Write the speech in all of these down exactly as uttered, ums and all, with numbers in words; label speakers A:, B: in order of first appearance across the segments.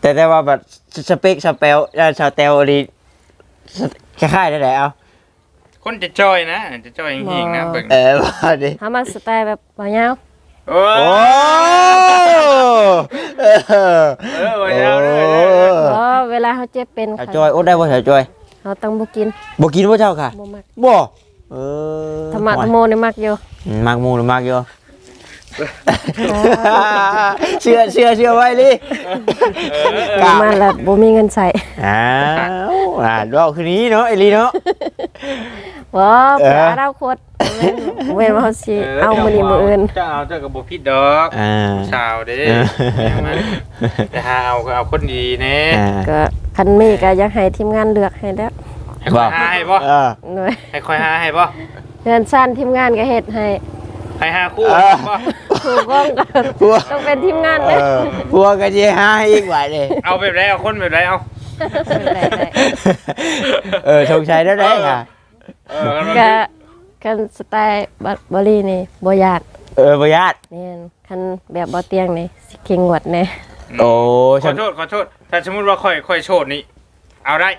A: แต่แต่ว่าแบบสเปคสเปลชาวเตลดีคล้ายๆได้แหละเอา
B: คนจะจ้อยนะจะจ้อยจริงๆนะเบิ่ง
A: เออว่าดิ
C: เฮามักสไตล์แบบบ่ยาว
B: โอ้
A: โอ้เออ
B: เออบ่ยาวเลย
C: อ๋อเวลาเฮาเจ็บเป็น
A: ชาวจอยโอ้ได้บ่ชาวจอย
C: เฮาต้องบ่กิน
A: บ่กินบ่เจ้าค่ะ
C: บ่มัก
A: บ่เออ
C: ธรรมะธรรมโมนี่มักอยู่
A: มักหมูหรือมักอยู่เชื่อเชื่อเชื่อไว้ลิ
C: มาแล้วบ่มีเงินใช้
A: อ้าวอ่าดอกคืนนี้เนาะไอ้ลีเนาะ
C: บ่ปลาดาวโคตรแม่นว่าเฮาสิเอามื้อนี้มื้ออื่น
B: จะเอาเจ้าก็บ่ผิดดอก
A: อ่า
B: ชาวเด้แต่หาเอาก็เอาคนดีแน่
A: อ่า
C: ก็คันมีก็อยากให้ทีมงานเลือกให้แล้ว
B: ให้คอยหาให้บ่
A: เออ
C: หน่อย
B: ให้คอยหาให้บ่
C: เงินสั้นทีมงานก็เฮ็ดให้
B: ให้หาคู่บ่
C: ถูกต้องก็
A: พัว
C: ต้องเป็นทีมงาน
A: เอ
C: เด้อ
A: อพัวก็สิหาให้อีกว่าเด้
B: เอาแบบไรเอาคนแบบไรเอา
C: ได้ได้
A: เออชงชัยได้ได้ค่ะ
B: เออ
C: ก็คันสไตล์บัดบรีนี่บ่ยาก
A: เออบ่ญาติ
C: แม่นคันแบบบ่เตียงนี่สิเก่งหวดแน่
A: โอ้
B: ขอโทษขอโทษถ้าสมมุติว่าค่อยค่อยโชดนี่เอาได้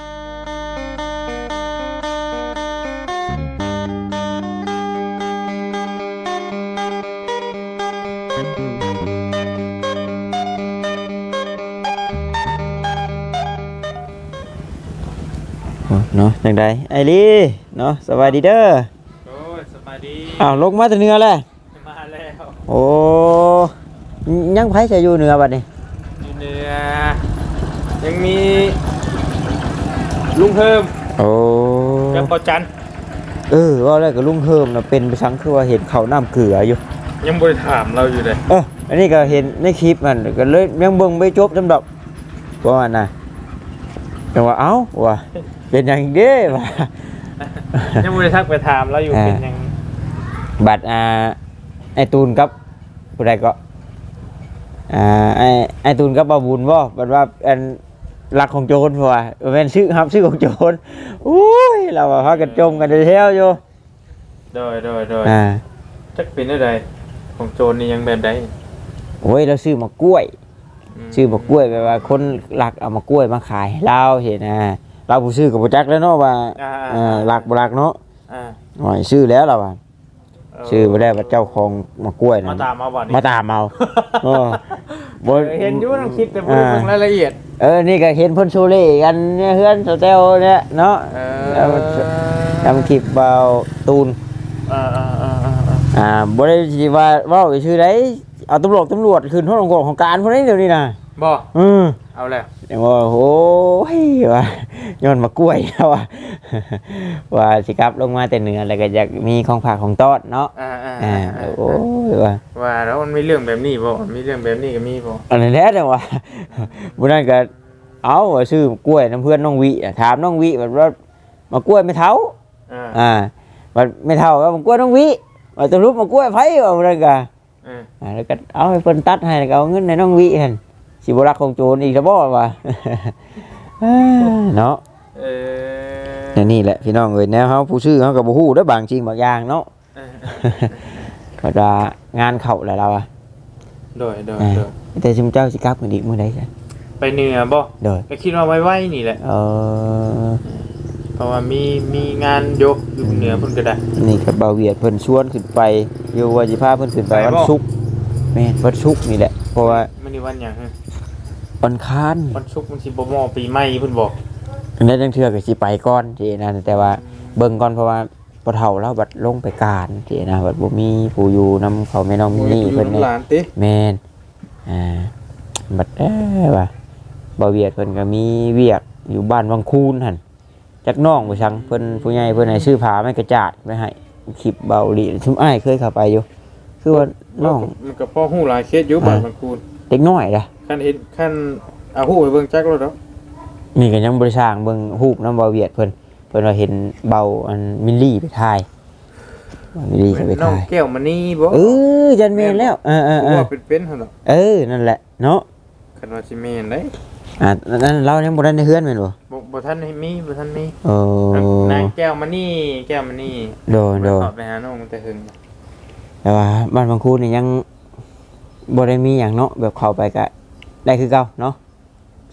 A: เนาะจังไดไอ้ลีเนาะสวัสดีเด้อ
B: โอ้ยสบายดี
A: อ้าวลงมาแต่เหนือแล้ว
B: มาแล้ว
A: โอ้ยังไผจะอยู่เหนือบัดนี้
B: อยู่เหนือยังมีลุงเพิ่ม
A: โอ้
B: กับปอจัน
A: เออว่าแล้วก็ลุงเฮิมน่ะเป็นไปสังคือว่าเห็นเขาน้ำเกลืออยู่
B: ยังบ่ได้ถามเราอยู่เลย
A: เอออันนี้ก็เห็นในคลิปมันก็เลยยังเบิ่งไม่จบจำดอกว่ามันน่ะแต่ว่าเอ้าว่าเป็นหยังเด้ว่า
B: ยังบ่ได้ทักไปถามเราอยู่เป็นยัง
A: บัตรอ่าไอตูนกับผู้ใดก็อ่าไอไอตูนกับบาบุญบ่บัดว่าอันรักของโจรเพราะว่าแม่นชื่อครับชื่อของโจรอุ้ยเราว่าพากันจมกันเที่ยวอยู่
B: โดยโดยโดย
A: อ่า
B: จักเป็นอะไรของโจรนี่ยังแบบใด
A: โอ้ยเราซื้อมากล้วยซื้อมากล้วยแปลว่าคนรักเอามากล้วยมาขายให้เราเห็นนะเราผู้ซื้อกับผู้จักแล้วเนาะว่าเออรักบ่รักเนาะ
B: อ่า
A: หน่อยซื้อแล้วเราว่าซื้อบ่ได้ว่าเจ้าของมากล้วยนะ
B: มาตามมาบ่นี่
A: มาตามเอาเออบ่
B: เห็นอยู่ในคลิปแต่บ่ได้เบิ่งรายละเอียด
A: เออนี่ก็เห็นเพิ่นโซเล่กันเนี่ยเฮือนสเตลเนี่ยเนาะ
B: เอ
A: แล้ว
B: อ
A: ทำคลิปเบาตูน
B: เออเออเออเออ
A: อ่าบ่ได้สิว่าเว้าชื่อใดเอาตำรวจตำรวจขึ้นห้องของการพวกนี้เดี๋ยวนี้นะ
B: บ่
A: อือ
B: เอาแล้ว
A: แต่ว่าโอ้ยว่าย้อนมากล้วยแล้วว่าว่าสิครับลงมาแต่เหนือแล้วก็อยากมีของฝากของต้อนเนาะ
B: อ่าอ่า
A: อ่าโอ้ยว่า
B: ว่าแล้วมันมีเรื่องแบบนี้บ่มีเรื่องแบบนี้ก็มีบ่
A: อันนั้นแหละจังว่าบ่นั้นก็เอาว่าซื้อกล้วยน้ำเพื่อนน้องวิอะถามน้องวิแบบว่ามากล้วยไม่เท่า
B: อ่า
A: อ่าว่าไม่เท่าก็มากล้วยน้องวิว่าจะรูปมากล้วยไผว่าบ่นั้นก็
B: เออ
A: อ่าแล้วก็เอาให้เพิ่นตัดให้แล้วก็เอาเงินในน้องวิหั่นสิบ่รักของโจรอีกแล้วบ่ว่า เนาะ
B: เออ
A: แต่นี่แหละพี่น้องเอ้ยแนวเฮาผู้ซื้อเฮาก็บ่ฮู้เด้อบางจริงบางอย่างเนาะ
B: เออ
A: ก็ว่างานเข้าแล้วเราอ่ะ
B: โดยโดย
A: อ่า
B: โดย
A: แต่ซุมเจ้าสิกลับกันอีกมื้อใดจ้ะ
B: ไปเหนือบ่
A: โดย
B: ก็คิดว่าไว้ๆนี่แหละ
A: เออ
B: เพราะว่ามีมีงานยกอยู่เหนือเพิ่นก็ได้
A: นี่ก็บ่าวเวียดเพิ่นชวนขึ้นไปอยู่ว่าสิพาเพิ่นขึ้นไป
B: ไปบ่
A: วันศุกร์แม่นวันศุกร์นี่แหละเพราะว่า
B: มื้อนี้วันหยังฮะ
A: วันค้าน
B: วันศุกร์มันสิบ่มอปีใหม่เพิ่นบอก
A: อันนั้นจังเทื่อก็สิไปก่อนที่นั่นแต่ว่าเบิ่งก่อนเพราะว่าบ่เฒ่าแล้วบัดลงไปการที่นะบัดบ่มีผู้อยู่นำเขาแม่น้องมินนี่เพิ่น
B: อยู่
A: เนี่ย
B: หลานติ
A: แม่นอ่าบัดเอ้อว่าบ่าวเวียดเพิ่นก็มีเวียกอยู่บ้านวังคูนหั่นจักน้องบ่ซังเพิ่นผู้ใหญ่เพิ่นให้ซื้อผ้าไม้กระจาดไว้ให้คลิปเบาหลีชุมอ้ายเคยเข้าไปอยู่คือว่าน้อง
B: มันก็พอฮู้หลายเคสอยู่บ้านบางคูน
A: เด็กน้อยล่ะ
B: คันเห็นคันเอาฮู้ไปเบิ่งจักแล้วเนาะ
A: นี่ก็ยังบ่ได้สร้างเบิ่งรูปนำบ่าวเวียดเพิ่นเพิ่นว่าเห็นเบาอันมิลลี่ไปถ่ายมิลลี่ก็ไป
B: น้อง
A: ถ่าย
B: แก้วมณีบ่
A: เออจันแม่นแล้วเออ
B: ผม
A: ๆ
B: ว่าเป็นๆหั่นเนาะ
A: ๆเออนั่นแหละเนาะ
B: คันว่าสิแม่นเด้
A: อ่านั่นเรายังบ่ได้ในเฮือนแม่นบ่
B: บ่บ่ทันให้มีบ่ทันมี
A: โอ้
B: นางแก้วมณีแก้วมณี
A: โดนโดน
B: ตอบไปหาน้องแต่หึง
A: แต่ว่าบ้านบางคูนี่ยังบ่ได้มีหยังเนาะแบบเข้าไปก็ได้คือเก่าเนาะ
B: แ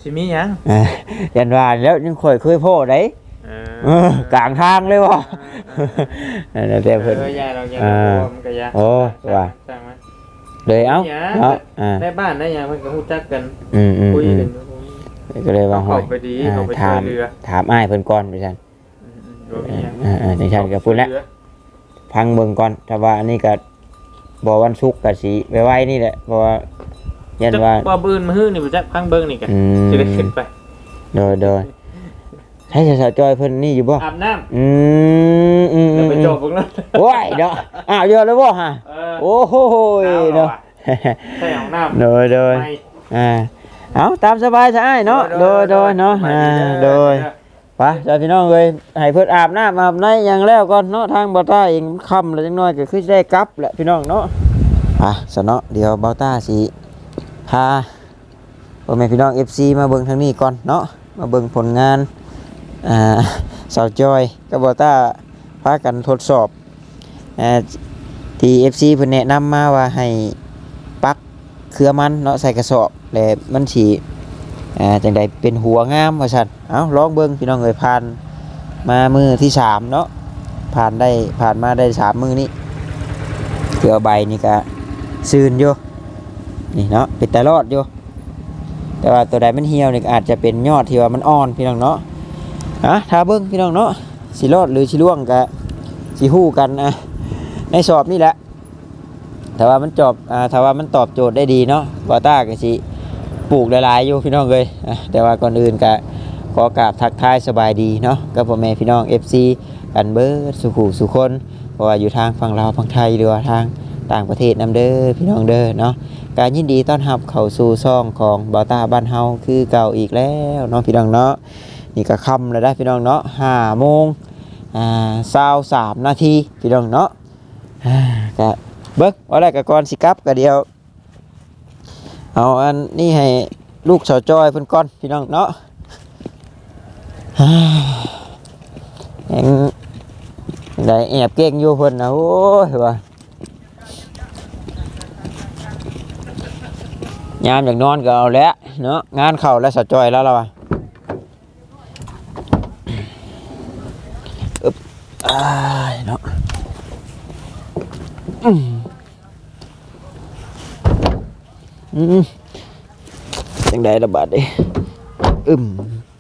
B: สิมีหยัง
A: อ่ายันว่าแล้วยังค่อยเคยโพดได้
B: เอ
A: เออกลางทางเลยบ่นั่นแหละแต่เพิ่น
B: เออยาเรายา
A: อ่า
B: เรามันก็ยา
A: โอ้ว่า
B: สร้างมัน
A: เลยเอ้า
B: หยัง
A: เนาะอ่า
B: ในบ้านได้หยังเพิ่นก็ฮู้จักกัน
A: อืมอืม
B: คุย
A: อื
B: กั
A: ม
B: น
A: ก็เลยว่า
B: เข้าไปดี
A: อ่
B: เข้าไปช่
A: ถา
B: วย
A: ม
B: เหลือ
A: ถามอ้ายเพิ่นก่อนไปซั่น
B: อืมๆบ่มีหยัง
A: อ่าอ่าจังซั่นก็พูดแล้วพังเบิ่งก่อนถ้าว่าอันนี้ก็บ่วันศุกร์ก็สิไว้ๆนี่แหละเพราะว่ายัน
B: จัก
A: ว่า
B: ว่าปืนมาฮื้อนี่บ่จักพังเบิ่งนี่กัน
A: อืม
B: สิได้ขึ้นไป
A: โดยโดยให้สาวๆจอยเพิ่นนี่อยู่บ่
B: อาบน้ำ
A: อืมอืม
B: แล้วไป
A: อืม
B: จบพวกนั้น
A: โอ้ยเนาะอ้าวเยอะเลยบ่ฮะ
B: เออ
A: โอ้โหเนาะ
B: ใส่ห้องน้ำ
A: โดยโดย
B: ไม่
A: อ่าเอาตามสบายซะอ้ายเนาะโดยโดยเนาะอ่าโดยไปจ้าพี่น้องเอ้ยให้เพิ่นอาบน้ำอาบในอย่างแล้วก่อนเนาะทางบ่าวต้าเองค่ำแล้วจังน้อยก็คือสิได้กลับแหละพี่น้องเนาะอ่ะซะเนาะเดี๋ยวบ่าวต้าสิพาพ่อแม่พี่น้อง เอฟ ซี มาเบิ่งทางนี้ก่อนเนาะมาเบิ่งผลงานอ่าสาวจอยกับบ่าวต้าพากันทดสอบอ่าที่ เอฟ ซี เพิ่นแนะนำมาว่าให้ปักเครือมันเนาะใส่กระสอบแล้วมันสิอ่าจังใดเป็นหัวงามว่าซั่นเอ้าลองเบิ่งพี่น้องเอ้ยผ่านมามือที่สามเนาะผ่านได้ผ่านมาได้สามมือนี้เครือใบนี่ก็ซื่นอยู่นี่เนาะเป็นตารอดอยู่แต่ว่าตัวใดมันเหี่ยวนี่ก็อาจจะเป็นยอดที่ว่ามันอ่อนพี่น้องเนาะอ่ะถ้าเบิ่งพี่น้องเนาะสิรอดหรือสิร่วงก็สิฮู้กันอ่ะในสอบนี่แหละแต่ว่ามันจบอ่าถ้าว่ามันตอบโจทย์ได้ดีเนาะบอต้าก็สิปลูกหลายๆอยู่พี่น้องเลยอ่ะแต่ว่าก่อนอื่นก็ขอกราบทักทายสบายดีเนาะกับพ่อแม่พี่น้อง เอฟ ซี กันเบิดสุขุสุคนเพราะว่าอยู่ทางฝั่งลาวฝั่งไทยหรือว่าทางต่างประเทศนำเด้อพี่น้องเด้อเนาะการยินดีต้อนรับเข้าสู่ซ่องของบอต้าบ้านเฮาคือเก่าอีกแล้วเนาะพี่น้องเนาะนี่ก็ค่ำแล้วได้พี่น้องเนาะห้าโมงอ่าสาวสามนาทีพี่น้องเนาะอ่าก็เบิ้งว่าอะไรกับก่อนสิกลับก็เดียวเอาอันนี้ให้ลูกสาวจอยเพิ่นก่อนพี่น้องเนาะฮ่าแหงได้แอบเก่งอยู่เพิ่นนะโอ้ยว่ายามอยากนอนก็เอาแล้วเนาะงานเข้าแล้วสาวจอยแล้วล่ะว่ะอึ๊บอ้ายเนาะอืมอืมจังได้ระบาดดิอึม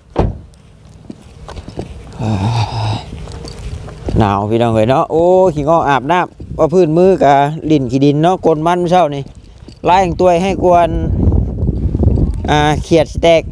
A: อ่าหนาวพี่น้องเอ้ยเนาะโอ้ขี้งออาบน้ำว่าพื้นมือกะลิ่นขี้ดินเนาะกลนมันเช้านี่ไล่ตัวให้กวนอ่าเขียดสแต็ก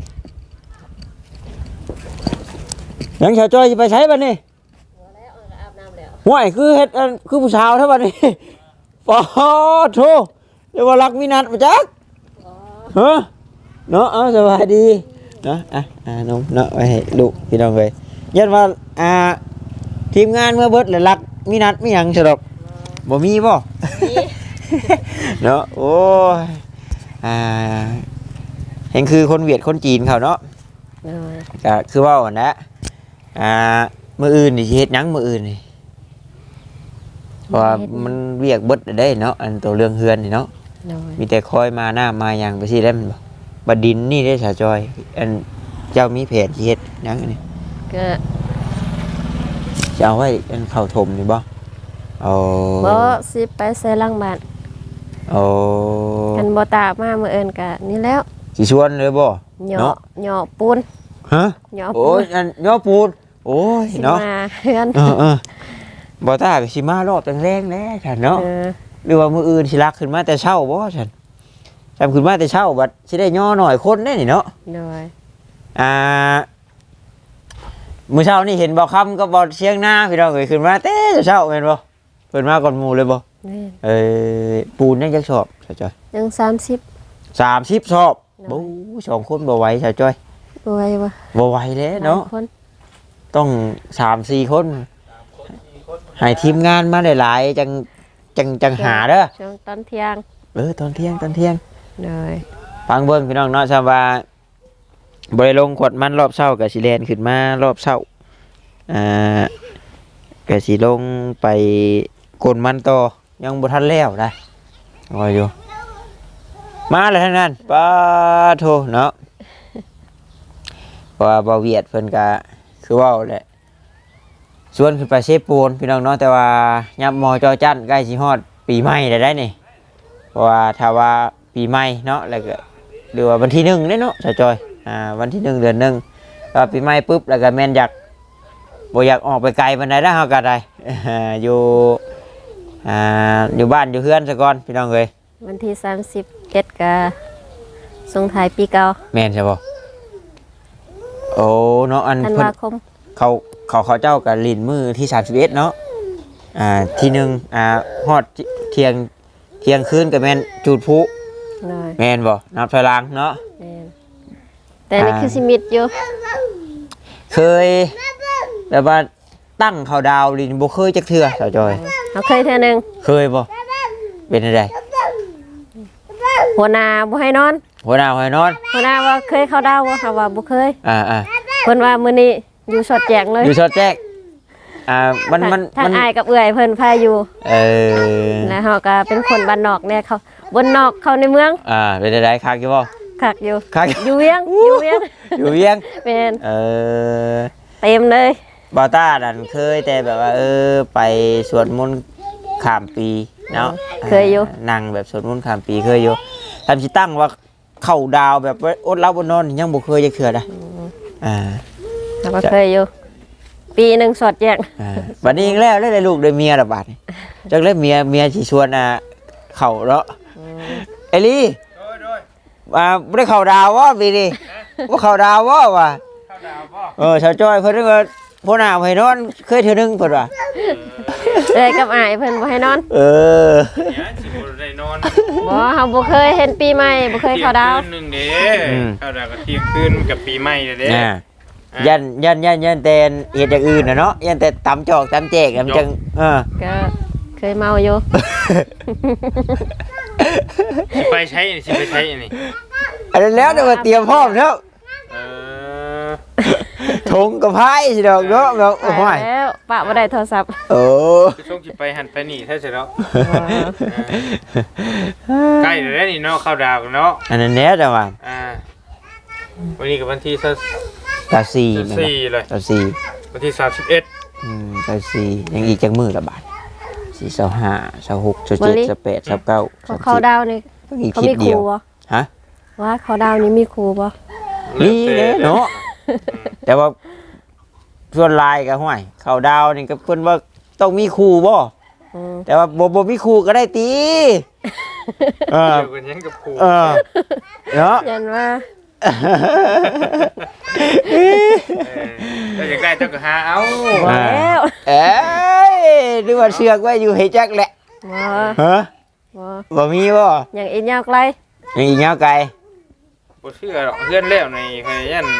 A: ยังชาวจ้อยจะไปใช้บัดนี้ห่วยคือเฮ็ดอันคือผู้สาวเท่าบัดนี้ปอโธ่เรียกว่ารักวินัทมาจักฮะเนาะเอาสบายดีเนาะอ่ะอ่าน้องเนาะไว้ให้ลูกพี่น้องเลยยันว่าอ่าทีมงานเมื่อเบิดเลยรักวินัทไม่ยังสะดอกบ่มีบ่ เนาะโอ้ยอ่าเห็นคือคนเวียดคนจีนเขาเนาะ
C: เลย
A: ก็คือว่าก่อนนะอ่ามื้ออื่นนี่สิเฮ็ดหยังมื้ออื่นนี่เพราะว่ามันเวียกเบิดได้เนาะอันตัวเรื่องเฮือนนี่เนาะ
C: เลย
A: มีแต่คอยมาหน้ามาหยังไปสิได้มันบ่บัดดินนี่ได้สาจอยอันเจ้ามีแผนสิเฮ็ดหยังอันนี้
C: ก็
A: จะเอาไว้อันเข้าถมนี่บ่เอา
C: บ่สิไปใส่หลังบ้าน
A: เอา
C: กันบ่ตามามื้อเอิ้นก็นี่แล้ว
A: สิชวนเลยบ่
C: เหยาะ
A: เนาะ
C: เหยาะปูน
A: ฮะ
C: เหยาะ
A: โอ้
C: ปู
A: ย
C: น
A: อันย่อปูนโอ้ย
C: สิ
A: เนาะ
C: มาเฮือน
A: เออเออบ่ตาก็สิมารอบแรงๆแล้วฉันเนาะ
C: เออ
A: หรือว่ามื้ออื่นสิลักขึ้นมาแต่เช้าบ่ฉันจำขึ้นมาแต่เช้าบัดสิได้ย่อหน่อยคนได้นี่เนาะ
C: เลย
A: อ่ามื้อเช้านี่เห็นบ่ค่ำกับบ่เชียงนาพี่น้องเอ้ยขึ้นมาแต่เช้าแม่นบ่เพิ่นมาก่อนหมู่เลยบ่
C: นี่
A: เอ้ยปูนยังจักสอบซะจ้อย
C: ยังสามสิบ
A: สามสิบสอบบู๊สองคนบ่ไหวซะจ้อย
C: บ่ไหวบ่
A: บ่ไหวแล้วเนาะ
C: หลยคน
A: ต้อง สามสี่คนให้ทีมงานมาหลายๆจังจังจังหาเด้อ
C: ช่วงตอนเที่ยง
A: เออตอนเที่ยงตอนเที่ยง
C: เลย
A: ฟังเบิ่งพี่น้องเนาะชาวว่าบริลงขวดมันรอบเช้ากับสิแลนขึ้นมารอบเช้าอ่ากับสิลงไปกดมันต่อยังบ่ทันแล้วได้รออยู่มาแล้วทั้งนั้นป้าโทเนาะเพราะว่าบ่เวียดเพิ่นก็คือเว้าแหละชวนขึ้นไปเชฟปูนพี่น้องเนาะแต่ว่ายับมอจอจันใกล้สิฮอดปีใหม่แล้วได้นี่เพราะว่าถ้าว่าปีใหม่เนาะแล้วก็หรือว่าวันที่หนึ่งเด้เนาะชาวจอยอ่าวันที่หนึ่งเดือนหนึ่งก็ปีใหม่ปุ๊บแล้วก็แม่นอยากบ่อยากออกไปไกลปานใดนะเฮาก็ได้ อยู่อ่าอยู่บ้านอยู่เฮือนซะก่อนพี่น้องเอ้ย
C: วันที่สามสิบเอ็ดก็ส่งท้ายปีเก่า
A: แม่นใช่บ่โอ้เนาะอัน
C: ธัน
A: เพิ่น
C: วาคม
A: เขาเขาเขาเจ้ากับลินมือที่สามสิบเอ็ดเนาะอ่าทีหนึ่งอ่าฮอดเที่ยงเที่ยงคืนกับแม่นจูดพลุ
C: เลย
A: แม่นบ่นับถอยหลังเนาะ
C: แม่นแต่นี่คือสิมิดอยู่
A: เคยแบบว่าตั้งเขาดาวลินบ่เคยจักเทื่อสาวจอย
C: เขาเคยเท่อหนึง
A: เคยบ่เป็นอะไร
C: หัวหน้าบ่ให้นอน
A: หัวหน้าหัวนอน
C: หัวหน้าว่าเคยเข้าดาวบ่ค่ะว่าบ่เคย
A: อ่าอ่า
C: เพิ่นว่ามื้อนี้อยู่สอดแจงเลย
A: อยู่สอดแจ๊กอ่ามันมัน
C: ทาง
A: มัน
C: อายกับเอื้อยเพิ่นพาอยู่
A: เออ
C: แล้วเฮาก็เป็นคนบ้านนอกเนี่ยเขาบนนอกเข้าในเมือง
A: อ่าเป็นอะไรคักอยู่บ่
C: คักอยู่
A: คัก
C: อยู่เวียงอยู่เวียง
A: อยู่เวียง
C: แม่น
A: เออ
C: เต็มเลย
A: บอต้าดันเคยแต่แบบว่าเออไปสวดมนต์ข้ามปีเนาะ
C: เคยอยู่
A: นั่งแบบสวดมนต์ข้ามปีเคยอยู่ทำชิตั้งว่าเข้าดาวแบบว่าอดเล่าบนนอนยังบ่เคยจะเคือได้อ่า
C: เราก็เคยอยู่ ปีหนึงสอดแจง
A: อ่าบัดนี้อีกแล้วได้ลูกได้เมียระบาดนี่จักเลยเมียเมียสิชวนอ่ะเข้าเนาะไอลี่
B: โดยโดย
A: อ่าบ่ได้เข้าดาวบ่ปีนี้บ่เข้าดาวบ่ว่ะ
B: เข้าดาวบ่
A: เออชาวจ้อยเพิ่นก็พ่อหน้าให้นอนเคยเทื่อนึงเพิ่นว่า
C: เอ้ยกับอายเพิ่นบ่ให้นอน
A: เออ
B: เนี่ยสิบ่ได้นอน
C: บ่เฮาบ่เคยเห็นปีใหม่บ่เคยเข้าดาว
B: ที่ยงคืนหนึงเด้เข้าดาวก็เที่ยงคืนกับปีใหม่เด้เด้
A: น่ะยันยันยันยันแต่เฮ็ดอย่างอื่นน่ะเนาะยันแต่ตำจอกตำแจกมันจังเออ
C: ก็เคยเมาอยู่
B: สิไปใช้อันนี้สิไปใช้อันนี้
A: อันนั้นแล้วเดี๋ยวมาเตรียมพร้อมแล้ว
B: เออ
A: ถงกับไพ่สิดอกเนาะแบบโอ้
C: ไป
A: ย
C: แล้วปะบ่ได้โทรศัพท์
A: โอ้
B: คือช่วงสิไปหันไปนี่แท้เสร็จแล้วใกล้แล้วนี่เนาะเข้าดาวกันเนาะ
A: อันนั้นแน่จังว่า
B: อ่าวันนี้กับวันที่
A: ตาซีแม่นบ่
B: สี่เลย
A: ตาซี
B: วันที่สามสิบเอ็ด
A: อืมตาซียังอีกจักมือละบาทสี่สิบห้า สิบหก สิบเจ็ด สิบแปด สิบเก้า
C: เขาเข้าดาวนี่
A: อีก
C: เขา
A: คลิ
C: มี
A: ป
C: ค
A: เดี
C: รู
A: ยว
C: บ่
A: ฮะ
C: ว่าเขาดาวนี่มีครูบ่
A: นี่เด้เนาะแต่ว่าส่วนลายก็ห้วยเขาดาวนี่ก็เพิ่นว่าต้องมีครูบ่
C: อืม
A: แต่ว่าบ่บ่มีครูก็ได้ตีเออ
B: เกี่ยวกันยังกับครู
A: เออเนาะ
C: ยันว่า
B: เออถ้าอยากได้เจ้าก็หาเอา
C: บ่แล้ว
A: เอ้ยนึกว่าเชือกไว้อยู่ให้จักแหละ
C: บ่
A: ฮะ
C: บ่
A: บ่มีบ่
C: อย่างอีกยาวไกล
A: ยังอีกยาวไกล
B: บ่เชื่อหรอกเพื่อนแล้วในพยัน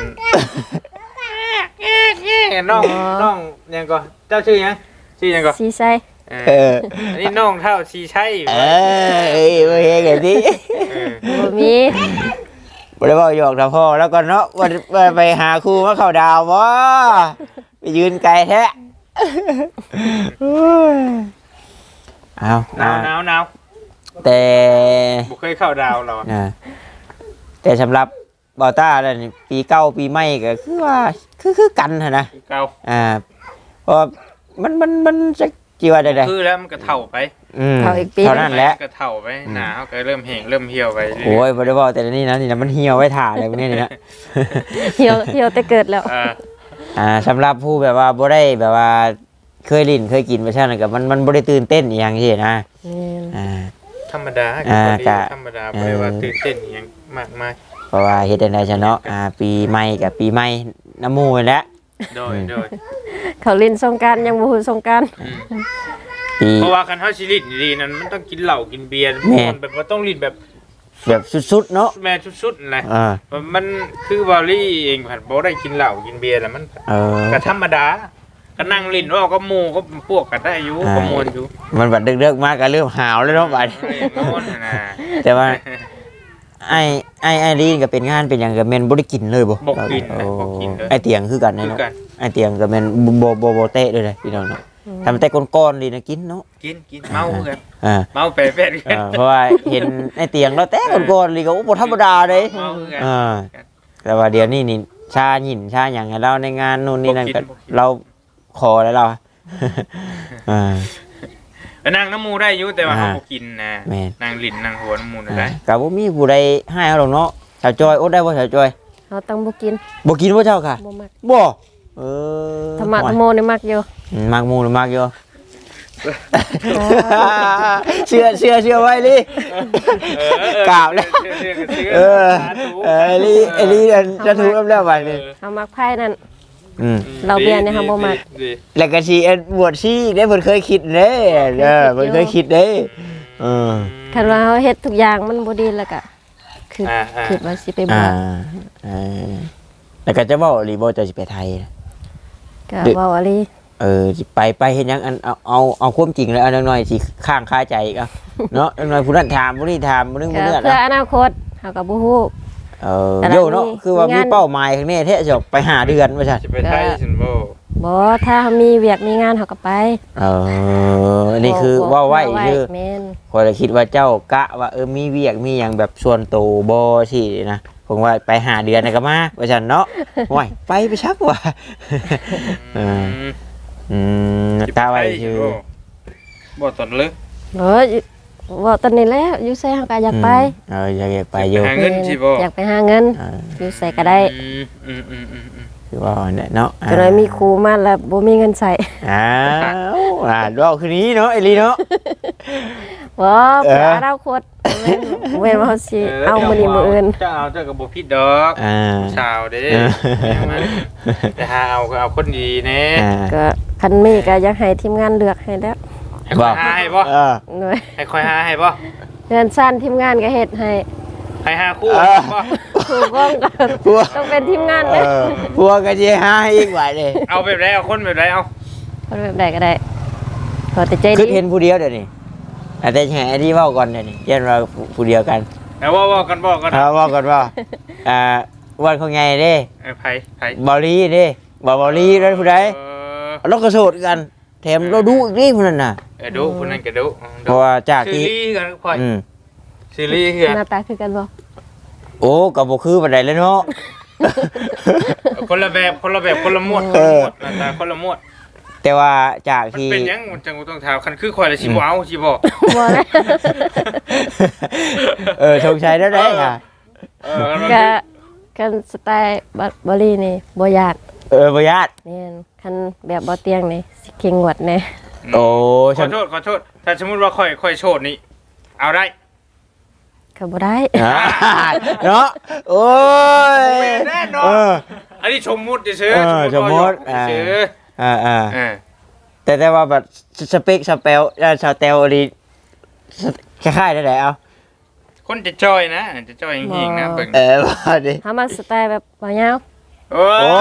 B: น้องน้องยังก็เจ้าชื่อยังชื่อยังก็
C: สีไซ
B: เอ
A: เอ
B: อ
A: อ
B: อันนี้น้องเท่าชีใช่
A: เออเอ้ยบ่เฮ็ดกันติ
B: เออ
C: บ่มี
A: บ่ได้เว้าหยอกถ้าพ่อแล้วก็เนาะว่าว่าไปหาครูมาเข้าดาวบ่ไปยืนไกลแท้โอ้ยเอา
B: หนาวหนาวหนาว
A: แต่
B: บ่เคยเข้าดาวหรอ
A: อ่าแต่สำหรับบอต้าแล้วนี่ปีเก่าปีใหม่ก็คือว่าคือคือกันหั่นนะ
B: เก่า
A: อ่าเพราะว่ามันมันมันจะจีว่าได้
B: คือแล้วมันก็เท่าไป
A: ๆอืม
C: เท่าอีกปี
A: เท่านั้นแหละ
B: ก็เท่าไปหนาวก็เริ่มแห้งเริ่มเหี่ยวไปเรื่
A: โอ้ยบ่ได้บอกแต่ละนี่นะนี่นะมันเหี่ยวไว้ถ่าอะไรพวกนี้นี่นะ
C: เหี่ยวเหี่ยวแต่เกิดแล้ว
B: เออ
A: อ่าสำหรับผู้แบบว่าบ่ได้แบบว่าเคยลิ้นเคยกินไปใช่ไหมกับมันมันบ่ได้ตื่นเต้นอหย่างที่นะ
C: แม่น
A: อ่า
B: ธรรมดา
A: อ่า
B: ก็
A: กะ
B: ธรรมดาบ่ได้ว่าตื่นเต้นอหยังมากมาย
A: เพราะว่าเฮ็ดได้ซะเนาะอ่าปีใหม่กับปีใหม่น้ำหมูนั่นแหละ
B: โดยโดย
C: เขาลินสงกรารยังบ่ฮู้สงกราร
B: อืม
A: ปี
B: เพราะว่าคันเฮาสิลิ้นดีๆนั่นมันต้องกินเหล้ากินเบียร์
A: แม่
B: มันแบบว่าต้องลิ้นแบบ
A: แบบสุดๆเนาะ
B: แม่สุดๆนะ
A: อ่า
B: มันคือบอลลี่เองผัดบ่ได้กินเหล้ากินเบียร์แล้วมัน
A: เออ
B: ก็ธรรมดาก็นั่งลิ้นว่าก็หมู่ก็พวกกันได้อยู่
A: อ่า
B: ก็มวนอยู่
A: มันบัดเดึกๆมากก็เริ่มหาวแล้วเนาะบัด
B: นอนน่ะนะ
A: แต่ว่า ไอ้ไอ้ไอ้ลีนก็เป็นงานเป็นหยังก็แม่นบ่ได้กินเลยบ่
B: บ่กินนะบ่กินเลย
A: ไอ้เตียงคือกัน
B: คือ
A: เนาะ
B: กัน
A: ไอ้เตียงก็แม่นบ่บ่บ่เตะเลยเลยพี่น้องเนาะทำแต่ก้อนๆลีนะกินเนาะ
B: กินกินเมากัน
A: อ่า
B: เมาแปะแปะกัน
A: อ่าเพราะว่าเห็นไอ้เตียงแล้วแต่ก้อนๆลีก็โอ้บ่ธรรมดาเด้
B: เมากัน
A: อ่าแต่ว่าเดี๋ยวนี้นี่ชาหยินชาอย่างให้เราในงานนู่นนี่นั่นก็เราขอแล้วเราอ่า
B: ไปนั่งน้ำมูได้อยู่แต่ว่า
A: อ่า
B: เขาบ่กินนะ
A: แม่น
B: นั่งลิ้นนั่งหัวน้ำมูได้
A: กับบ่มีผู้ใดให้เอาหรอกเนาะสาวจอยอดได้บ่สาวจอย
C: เขาต้องบ่กิน
A: บ่กินบ่เจ้าค่ะ
C: บ่มัก
A: บ่เออ
C: ธรรมะธรรมโมนี่มักอยู่
A: อืมมักหมูหรือมักอยู่เชื่อเชื่อเชื่อไว้ลิกราบแล้วเออเออไอ้ลิไอ้ลิจะถูกแล้วแล้วบัดนี้
C: เขามักไพ่นั่น
A: อืม
C: เราเบียร์เนี่ยเขาบ่มัก
B: ดี
A: แล้วก็สิบวชชีอีกได้เพิ่นเคยคิดเด้เออเพิ่นเคยคิดเด้เออ
C: คันว่าเขาเฮ็ดทุกอย่างมันบ่ดีแล้วก็คือ
B: อ่าอ่า
C: คิดว่าสิไปบ
A: อ่าว
C: ช
A: เออแล้วก็จะเว้าอีหลีบ่จะสิไปไทยนะ
C: ก็เว้าอะไร
A: เออสิไปไปเฮ็ดหยังอันเอาเอาเอาความจริงแล้วเอาหน่อยสิข้างคาใจอีกเอาเนาะหน่อยผู้นั้นถามผู้นี้ถามผู้นึง
C: ก็
A: ผู้นี้
C: เพื่อ
A: นะ
C: อนาคตเขาก็บ่ฮู้
A: เออ
C: แต่ละ
A: โยเนาะ
C: มี
A: คือว่ามี
C: งาน
A: เป้าหมายข้างนี้แท้จะไปหาเดือนว่าซั่น
B: จะไปไทยสินบ่
C: บ่ถ้าเขามีเวียกมีงานเขาก็ไป
A: เอออันนี้คือ
C: บ่
A: ว่าไว้
C: บ่
A: คือ
C: แม่น
A: พอยเลยคิดว่าเจ้ากะว่าเออมีเวียกมีหยังแบบส่วนตัวบ่สินะผมว่าไปหาเดือนน่ะก็มาว่าซั่นเนาะโอ้ยไปไปชักว่า เออ อืมตาไว้คือ
B: บ่ตอนเลย
C: เออเว้าตอนนี้แหล้วอยู่ไสเขาก็อยากไป
A: เอออยากไปอยู่
B: หาเงินสิบ่
C: อยากไปหาเงิน
A: เออ
C: อยู่ไสก็ได้
B: อืมอืมอืมอืมอืม
A: คือว่าเนี่ยเนาะ
C: ก็เลยมีครูมาแล้วบ่มีเงินใส่
A: อ้าวอ่าดอกคืนนี้เนาะไอ้ลีเนาะ
C: บ่
A: เออ
C: เพื่ออนาคตแม่นแม่นว่าเขาสิเอามื้อนี้มื้ออื่น
B: เจ้าเอาเจ้าก็บ่ผิดดอก
A: อ่า
B: สาวเด้
A: เออ
B: แม่มันแต่หาเอาก็เอาคนดีแน่
A: อ่า
C: ก็คันมีก็อยากให้ทีมงานเลือกให้แล้ว
B: ให้ค่อยหาให้บ่
A: เออ
C: หน่อย
B: ให้ค่อยหาให้บ่
C: เงินสั้นทีมงานก็เฮ็ดให้
B: ให้หาคู่
A: เออ
B: บ่
C: ถูกต้องก็
A: พวก
C: ต้องเป็นทีมงาน
A: เอ
C: เด้อ
A: อพวกก็สิหาให้อีกว่าเลย
B: เอาแบบไรเอาคนแบบไรเอา
C: คนแบบใดก็ได้ขอแต่ใจ
A: คือ
C: ดี
A: เห็นผู้เดียวเดี๋ยวนี้อาจจะแห่ไอ้ที่เว้าก่อนเดี๋ยวนี้เย็นเราผู้เดียวกัน
B: แต่ว่าว่ากันบอกกัน
A: เอาเว้าก่อนว่าอ่าวันเขาไงเด้
B: ไอ้ไผ่ไผ่
A: บอลีเด้บอบอลีนั่นผู้ใด
B: เออ
A: เราก็โสดกันแถมเราดูอีกนี่ผู้นั้นน่ะ
B: เออดูคนนั้นก็ดู
A: เพราะว่าจาก
B: ซี
A: ที่
B: รีส์กันค่อย
A: อืม
B: ซีรีส์คือ
C: หน้าตาคือกันบ่
A: โอ้ก็บ่คือปานใดเลยเนาะ
B: คนละแบบคนละแบบคนละหมวด
A: เออ
B: หน้าตาคนละหมวด
A: แต่ว่าจาก
B: มัน
A: ที่
B: เป็นหยังมันจังกูต้องถามคันคือข่อยละสิบ่เอาสิบ่
C: บ่ได้
A: เออชงชัยได้ได้ค่ะ
B: เออมัน
C: ก็กันสไตล์บัดบอลี่นี่บ่ยาก
A: เออบ่ญาติ
C: แม่นคันแบบบ่เตียงนี่สิเข่งงวดแน่
A: โอ้
B: ขอโทษขอโทษถ้าสมมุติว่าข่อยข่อยโชดนี่เอาได้
C: ก็บ่ได้
A: อ่าเนาะโอ้ย
B: แน่นอ
A: เอน อ
B: อันนี้ชมมุดเฉย
A: เออ
B: ๆ
A: สมมุติ
B: ว่าหยอกเฉย
A: อ่าอ่า
B: ๆอ่า
A: แต่แต่ว่าแบบสเปคสเปลอ่าสเตลอะไรคล้ายๆได้ไหนเอา
B: คนจะจอยนะจะจอยจริงๆนะเบิ่ง
A: เออว่าดิ
C: เฮามาสไตล์แบบบ่ยาว
B: โอ้
A: โอ้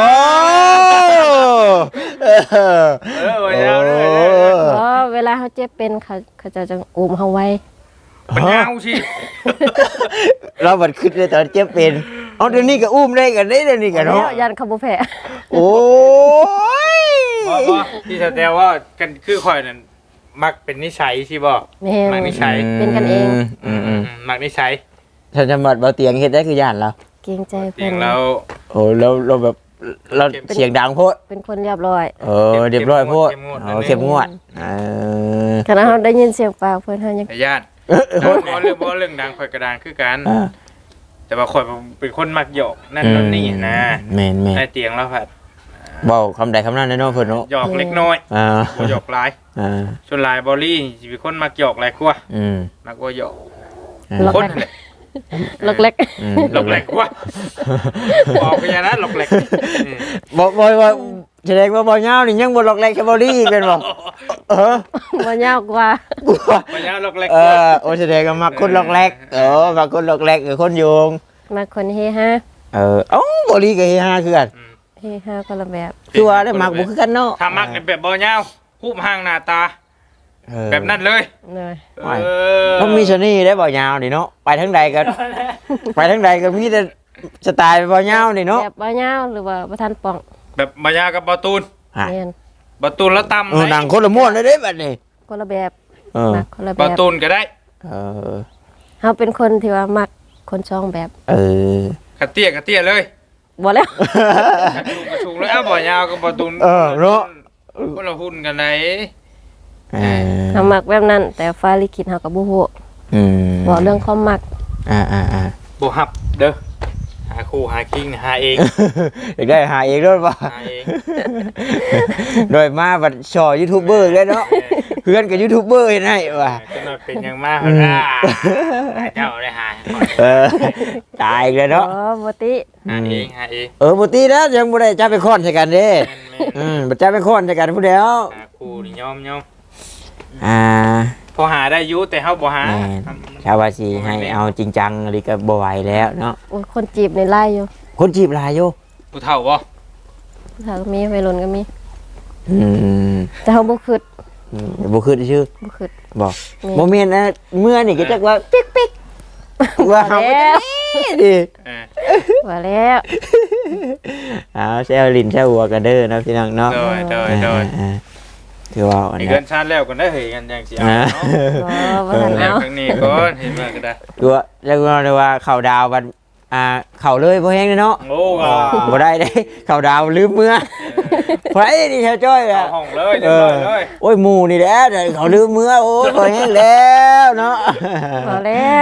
A: เออ
B: เออวันยาวเลย
C: เพราะเวลาเขาเจ็บเป็นเขาเขาจะจังอุ้มเฮาไว้
B: มันยาวสิ
A: เราบัดขึ้นเลยตอนเจ็บเป็นเอาเดี๋ยวนี้ก็อุ้มได้กันได้เดี๋ยวนี้กัน
C: แล้
A: เนาะ
C: วยันเขาบ่แพ้
A: โอ้ย
B: บ่บ่ที่แสดงว่ากันคือข่อยนั่นมักเป็นนิสัยสิบ่
C: แม่น
B: มักนิสัย
C: เป็นกันเอง
A: อืมอืม
B: มักนิสัย
A: ถ้าจะบัดเบาเตียงเฮ็ดได้คือย่านเรา
C: เกรงใจ
B: เสี
C: เพิ่
B: ยง
C: น
B: เรา
A: โอ้เราเราแบบเราเสียงดังโพด
C: เป็นคนเรียบร้อย
A: เออเรียบร้อยโพดเออเข้มงวดเออ
C: ขณะเขาได้ยินเสียงปากเพิ่นเฮายัง
B: ไอ้ญาติ
A: เออ
B: บ่เรื่องบ่เรื่องดังข่อยกระดานคือกัน
A: อ่า
B: แต่ว่าข่อยเป็นคนมักหยอกนั่นนั่นนี่นะ
A: แม่นแม่น
B: ไอ้เตียงเราผัด
A: เบาคำใดคำนั้นได้เนาะเพิ่นเนาะ
B: หยอกเล็กน้อย
A: อ่า
B: บ่หยอกหลาย
A: อ่า
B: ส่วนหลายบอลลี่สิเป็นคนมักหยอกหลายกว่า
A: อืม
B: มักว่าหยอก
A: อ่า
C: หลอก
B: คนนั่นแหละ
C: ลกเล็ก
A: อืม
B: หลอกแหลกกว่าบอกไปอย่างนั้นหลอกแหลกอืม
A: บ่บ่บ่แสดงว่าบ่ยาวนี่ยังบ่หลอกแหลกแค่บ่ดีเป็นบ่เออ
C: บ่ยาวกว่า
A: กลัว
B: ไปอย่างนั้นหลอกแหลก
A: เอก
B: ว่า
A: อโอ้แสดงว่ามักคนหลอกแหลกเออมักคนหลอกแหลกคือคนโยง
C: มาคนเฮฮา
A: เออเอ้าบ่ดีก็เฮฮาคือกัน
B: อืม
C: เฮฮาคนละแบบ
A: คือว่าได้มักบ่คือกันเนาะ
B: ถ้ามักในแบบบอลยาวคูบห่างหน้าตา
A: เออ
B: แบบนั้นเลย
C: เลย
A: ไม่
B: เออ
A: ต้องมีเสน่ห์ได้บ่ยาวนี่เนาะไปทางใดก็ไปทางใดก็มีแต่สไตล์บ่ยาวนี่เนาะ
C: แบบบ่ยาวหรือว่าบ่ทันป่อง
B: แบบบอยาวกับบอตูน
A: อ่ะ
C: แม่น
B: บอตูนแล้วตำ
A: เออหนังคนละม้วนเลยเด้บัดนี้
C: คนละแบบ
A: เออ
C: มักคนละ
B: บ
C: แบ
B: อบ ตูนก็ได้
A: เออ
C: เฮาเป็นคนที่ว่ามักคนช่องแบบ
A: เออ
B: กระเตี้ยกระเตี้ยเลย
C: บ่แล้ว
B: ลุงกระชุงแล้วเอาบ่ยาวกับบ่ตุน
A: เออเนาะ
B: คนละหุ้นกันไหน
A: เออ
C: เฮามักแบบนั้น แต่ฟ้าลิขิตเฮาก็บ่ฮู้
A: อืม
C: บ่เรื่องความมัก
A: อ่าอ่าอ่า
B: บ่ฮับเด้อหาคู่หาคิงหาเอง
A: อยากได้หาเองด้วยป่ะ
B: หาเอง
A: โดยมาบัดชอยูทูบเบอร์เลยเนาะเพื่อนกับยูทูบเบอร์เห็นให้ว่ะ
B: ก็มาเป็นอย่างมากหั่นน่ะเจ้าได้หา
A: เออตายอีกเลยเนาะ
C: อ๋อบ่ติ
B: หาเองหาเอง
A: เออปกตินะยังบ่ได้จับไปค้อนใส่กันเด้
B: แม่น
A: อืมบ่จับไปค้อนใส่กันผู้เดียว
B: ๆหาคู่นี่ยอมยอม
A: อ่า
B: พอหาได้อยู่แต่เฮาบ่หา
A: แม่น ชาวาสิให้เอาจริงจังอะไรก็บ่ไหวแล้วเนาะ
C: โอ้ยคนจีบในไล่อยู่
A: คนจีบหลายอยู่
B: ผู้เฒ่าบ่
C: ถ้าก็มีวัยรุ่นก็มี
A: อืม
C: แต่เฮาบ่คิด
A: อืมบ่คือชื่อ
C: บ่คิด
A: บ่
C: แม่
A: บ่แม่นนะเมื่อนี่ก็จักว่าปิ๊กปิ๊กว่าเฮาบ่ได้ดิ
B: เออ
C: ว่าแล้ว
A: เอาแซวลิ้นแซวหัวกันเด้อเนาะพี่น้องเนาะ
B: โดยโดยโดย
A: อ่าๆคือว่าอัน
B: นี่
A: นี้
B: เกินชาติแล้วกันได้เฮ้ยกันยังสิเอา
A: อ่า
B: เนาะ
C: บ่บ่ทัน
B: แล้ว
C: เอา
B: ครั้งนี้ก่อนเห็นมาก็ได้
A: คือว่าเรียกว่าว่าเข้าดาววันอ่าเข้าเลยบ่แฮงเด้อเนาะ
B: โอ้ก็
A: บ่ได้เด้เข้าดาวลืมเมื่อไผนี่แถวจ้อย
B: เอา
A: อ่ะ
B: ห้องเลยเรียบร้อยเลย
A: โอ้ยหมู่นี่แหละเดี๋ยวเขาลืมเมื่อโอ้ยบ่แฮงแล้วเนาะ
C: บ่แล้ว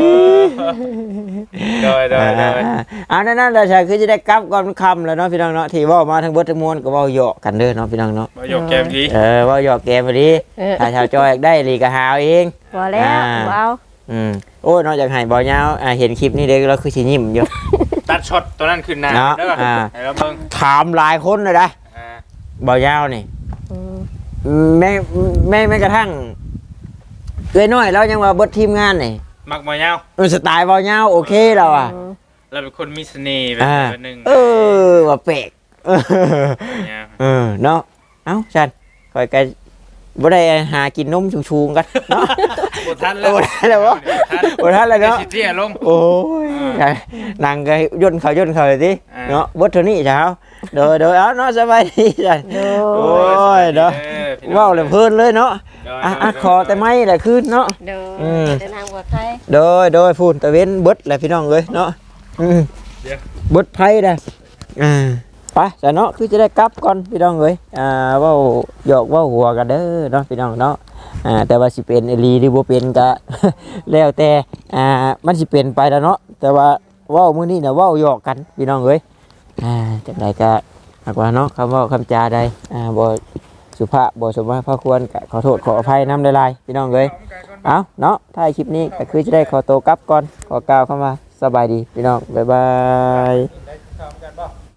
B: โดยโดยโดย
A: อ่านั่นๆแล้วใช่คือจะได้กลับก่อนค่ำแล้วเนาะพี่น้องเนาะที่เว้ามาทั้งเบิดทั้งมวลก็เว้าเหยาะกันเด้อเนาะพี่น้องเนาะ
B: มาหยกแกมที
A: เออเว้าเหยาะแกมพอดี
C: เออ
A: ถ้าชาวจ้อยอยากได้ลีก็หาเอาเอง
C: บ่แล้ว
A: อ่า
C: บ่เอา
A: อืมโอ้ยนอกจากให้บ่ยาวอ่าเห็นคลิปนี้เด้เราคือสิยิ้มอยู่
B: ตัดช็อตตัวนั้นขึ้นหน้า
A: เนาะ
B: เด้อ
A: อ่า
B: ให้เราเบิ่ง
A: ถามหลายคนเลยนะ
B: อ่า
A: บ่ยาวนี่
C: อืม
A: แม่แม่แม้กระทั่งเอ้ยน้อยแล้วยังว่าเบิดทีมงานนี่
B: มักบ่ยาว
A: มันสไตล์บ่ยาวโอเคแล้วอ่ะ
B: เราเป็นคนมีเสน่ห์แบบ
A: อ่า
B: หนึง
A: เออว่าแปลกเออ
B: บ่ยาว
A: เออเนาะเอ้าฉันคอยกันบ่ได้หากินนมชูงๆกันเนาะ
B: บ่ทันแล้ว
A: บ่ทันแล้วบ่ บ่ทันแล้วเนาะ
B: สิเตี้ยลง
A: โอ้ยนั่งก็ย่นเขาย่นเขาเลยสิ
B: อ่า
A: เนาะเบิดเท่านี้เช้าเด้อเด้อเอาเนาะสบายดีจ้ะ
C: โด
A: โอ้
C: ย
A: ยเนาะ
B: ออพี่น้อง
A: ว้าวเลยเพลินเลยเนาะ
B: โดย
A: อ่ะ
B: โดย
A: อ่ะ
B: โดย
A: ขอแต่ไม่แหละคืนเนาะ
C: โดย
A: อืม
C: เดินทางปลอดภัย
A: โดยโดยพูนตะเว้นเบิดแหละพี่น้องเอ้ยเนาะอืม
B: เดี๋ยว
A: เบิดไพ่เด้ออ่าไปแต่เนาะคือจะได้กลับก่อนพี่น้องเอ้ยอ่าเว้าหยอกเว้าหัวกันเด้อเนาะพี่น้องเนาะอ่าแต่ว่าสิเป็นอีหลีหรือบ่เป็นก็ แล้วแต่อ่ามันสิเป็นไปแล้วเนาะแต่ว่าเว้ามื้อนี้น่ะเว้าหยอกกันพี่น้องเอ้ยอ่าจังไดก็หากว่าเนาะคำเว้าคำจาใดอ่าบ่สุภาพบ่สมมาพระควรก็ขอโทษขออภัยนำหลายๆพี่น้องเอ้ย เอาเนาะท้ายคลิปนี้ก็คือจะได้ขอตัวกลับก่อน ขอกล่าวคำว่าสบายดีพี่น้อง บ๊ายบาย